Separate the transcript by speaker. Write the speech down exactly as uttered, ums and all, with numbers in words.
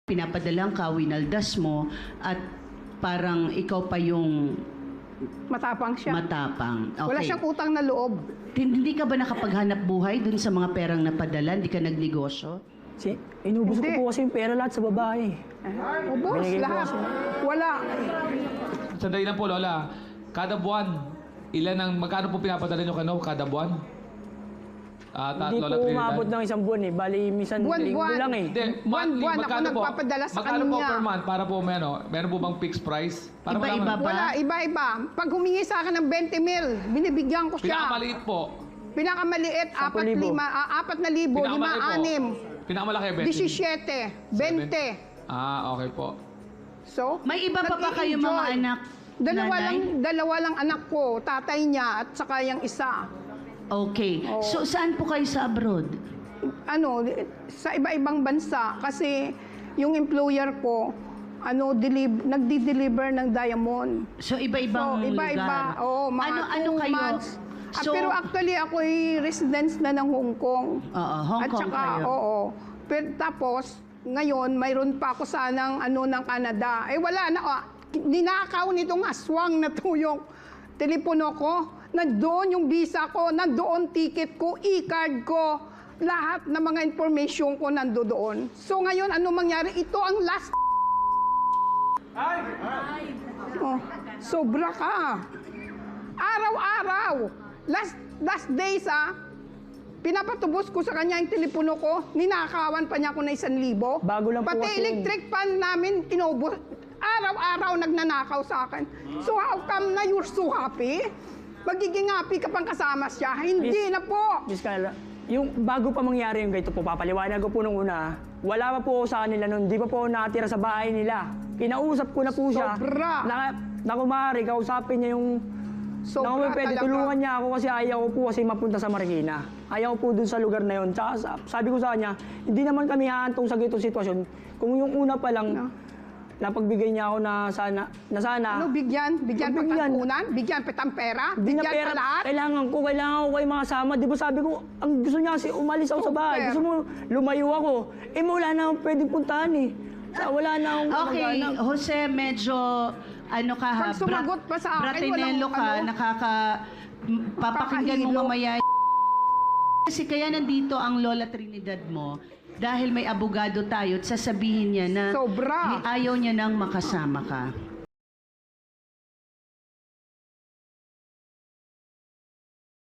Speaker 1: pinapadalang ka, winaldas mo, at parang ikaw pa yung
Speaker 2: Matapang siya.
Speaker 1: matapang. Okay.
Speaker 2: Wala siyang utang na loob.
Speaker 1: Hindi ka ba nakapaghanap buhay dun sa mga perang napadala? Hindi ka nagnegosyo?
Speaker 3: Si, inubos
Speaker 2: Hindi.
Speaker 3: ko po kasi yung pera lahat sa babae.
Speaker 2: Ubus,
Speaker 3: Binigay ko
Speaker 2: lahat.
Speaker 3: kasi.
Speaker 2: Wala.
Speaker 4: Sandali lang po, Lola. Kada buwan, ilan ang, magkano po pinapadala nyo kano kada buwan? Ah, ta-
Speaker 3: Hindi
Speaker 4: Lola
Speaker 3: po
Speaker 4: Trinidad?
Speaker 3: umabot ng isang buwan eh. Bali, minsan linggo
Speaker 2: Buwan-buwan.
Speaker 3: lang eh.
Speaker 4: Hindi,
Speaker 2: Buwan-buwan
Speaker 4: monthly,
Speaker 2: ako
Speaker 4: magkano po?
Speaker 2: nagpapadala sa
Speaker 4: Magkano po
Speaker 2: kanya.
Speaker 4: per month para po may ano? Meron po bang fixed price? Para
Speaker 1: Iba-iba
Speaker 4: malaman.
Speaker 1: ba?
Speaker 2: Wala, iba-iba. Pag humingi sa akin ng twenty mil, binibigyan ko siya.
Speaker 4: Pinakamaliit po.
Speaker 2: Pinakamaliit,
Speaker 3: Sampu
Speaker 2: apat,
Speaker 3: libo.
Speaker 2: lima, ah, apat na libo, lima,
Speaker 4: Pinakamalaki po.
Speaker 2: anim,
Speaker 4: Pinakamalaki, twenty.
Speaker 2: disisyete, bente.
Speaker 4: Ah, okay po.
Speaker 2: So,
Speaker 1: May iba pa ba kayong mga
Speaker 2: nag-i-enjoy.
Speaker 1: anak,
Speaker 2: Dalawa
Speaker 1: nanay?
Speaker 2: lang, dalawa lang anak ko, tatay niya at saka yung isa.
Speaker 1: Okay.
Speaker 2: Oo.
Speaker 1: So, saan po kayo sa abroad?
Speaker 2: Ano, sa iba-ibang bansa kasi yung employer ko ano delib nagdi-deliver ng diamond.
Speaker 1: So, iba-ibang
Speaker 2: So, iba-iba.
Speaker 1: lugar?
Speaker 2: Oo, mga
Speaker 1: ano, ano
Speaker 2: two
Speaker 1: kayo?
Speaker 2: months. Ah,
Speaker 1: So,
Speaker 2: pero actually ako ay residence na ng Hong Kong.
Speaker 1: Oo, Hong
Speaker 2: At
Speaker 1: Kong
Speaker 2: saka,
Speaker 1: kayo.
Speaker 2: oo. Pero tapos, ngayon, mayroon pa ako sanang ano ng Canada. Eh wala na, ah, ninakaw nitong aswang na to yung telepono ko. Nandoon yung visa ko, nandoon ticket ko, e-card ko, lahat ng mga information ko nandoon. So ngayon, ano mangyari? Ito ang last. Oh, sobra ka. Araw-araw. Last last days ah, pinapatubos ko sa kanya yung telepono ko, ninakawan pa niya ako na isang libo.
Speaker 3: Bago lang po
Speaker 2: Pati
Speaker 3: kasi yun.
Speaker 2: electric fan namin, inubos. Araw-araw nagnanakaw sa akin. So how come na you're so happy? Magiging happy ka pang kasama siya? Hindi
Speaker 3: Miss-
Speaker 2: na po.
Speaker 3: Miss Carla, yung bago pa mangyari yung ganito po, papaliwanag ko po nung una, wala pa po ako sa kanila nun, di pa po ako nakatira sa bahay nila. Kinausap ko na po siya.
Speaker 2: Sobra.
Speaker 3: Na, na kumari, kausapin niya yung
Speaker 2: Sobra
Speaker 3: na kung pwede
Speaker 2: talaga.
Speaker 3: tulungan niya ako kasi ayaw ko po kasi mapunta sa Marikina. Ayaw ko po dun sa lugar na yun. Tsaka sa- sabi ko sa kanya, hindi naman kami haantong sa ganitong sitwasyon. Kung yung una pa lang,
Speaker 2: No.
Speaker 3: napagbigay niya ako na sana, na sana,
Speaker 2: Ano, bigyan? Bigyan pa
Speaker 3: Bigyan.
Speaker 2: tantunan? Bigyan pa tang pera?
Speaker 3: Hindi na
Speaker 2: Bigyan
Speaker 3: pera.
Speaker 2: pa lahat?
Speaker 3: Kailangan ko, kailangan ko kayo makasama. Di ba sabi ko, ang gusto niya kasi umalis ako sa bahay.
Speaker 2: Super.
Speaker 3: Gusto mo, lumayo ako. Eh, wala na akong pwedeng puntahan eh. Sa- Wala na akong
Speaker 1: Okay,
Speaker 3: kamag-anak.
Speaker 1: Jose, medyo ano ka ha?
Speaker 2: Pag sumagot pa sa akin,
Speaker 1: Bratinelo
Speaker 2: walang
Speaker 1: ka,
Speaker 2: ano.
Speaker 1: nakaka... m- Papakinggan mo
Speaker 2: Kakahilo.
Speaker 1: mamaya. Kasi kaya nandito ang Lola Trinidad mo dahil may abogado tayo at sasabihin niya na
Speaker 2: Sobra.
Speaker 1: ayaw niya nang makasama ka.